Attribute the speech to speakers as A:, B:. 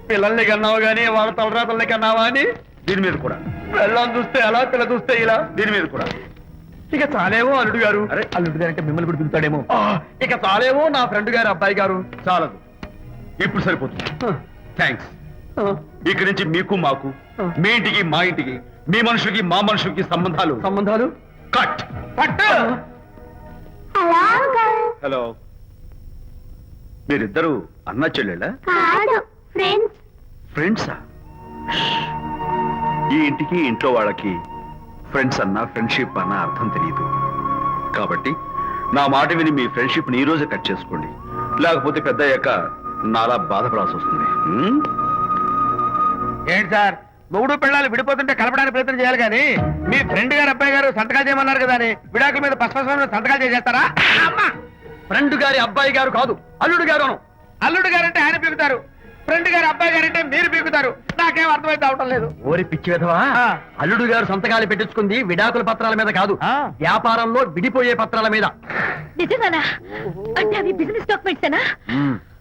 A: పిల్లల్ని కన్నావు గానీ వాళ్ళ తలరాతల్ని కన్నావా అని
B: దీని మీద కూడా,
A: పిల్లల్ని చూస్తే అలా పిల్ల చూస్తే ఇలా.
B: దీని మీద కూడా.
A: ఇక చాలేమో అల్లుడు గారు.
B: అరే,
A: అల్లుడు గారు అంటే మిమ్మల్ని కూడా పిలుతాడేమో. ఇక చాలేమో నా ఫ్రెండ్ గారు అబ్బాయి గారు.
B: చాలదు, ఇప్పుడు సరిపోతుంది. థ్యాంక్స్. ఇక్కడి నుంచి మీకు మాకు, మీ ఇంటికి మా ఇంటికి, మీ మనుషులకి మా మనుషులకి సంబంధాలు
A: సంబంధాలు
B: కట్.
A: పట్టు.
B: హలో, మీరిద్దరు అన్నా చెల్లెళ్ళా?
C: కాదు ఫ్రెండ్స్.
B: ఫ్రెండ్సా? ఈ ఇంటికి ఇంట్లో వాళ్ళకి ఫ్రెండ్స్ అన్నా ఫ్రెండ్షిప్ అన్నా అర్థం తెలియదు. కాబట్టి నా మాట విని మీ ఫ్రెండ్షిప్ ని ఈ రోజే కట్ చేసుకోండి, లేకపోతే పెద్ద అయ్యాక నాలా బాధపడాల్సి వస్తుంది.
A: ఏంటి సార్, మొగుడు పిల్లలు విడిపోతుంటే కలపడానికి ప్రయత్నం చేయాలి కానీ మీ ఫ్రెండ్ గారు అబ్బాయి గారు సంతకాలు చేయమన్నారు కదా అని విడాకుల మీద పశ్చిమ సంతకాలు చేసేస్తారా? ఫ్రెండ్ గారి అబ్బాయి గారు కాదు, అల్లుడు గారు. అల్లుడు గారు అంటే ఆయన పీకుతారు, ఫ్రెండ్ గారు అబ్బాయి గారు అంటే మీరు పీకుతారు. నాకేం అర్థమైతే అవటం లేదు. ఓరి పిచ్చి విధవా, అల్లుడు గారు సంతకాలు పెట్టించుకుంది విడాకుల పత్రాల మీద కాదు, వ్యాపారంలో విడిపోయే పత్రాల మీద.
C: నిజంగానా? అంటే అవి బిజినెస్ డాక్యుమెంట్స్ ఏనా?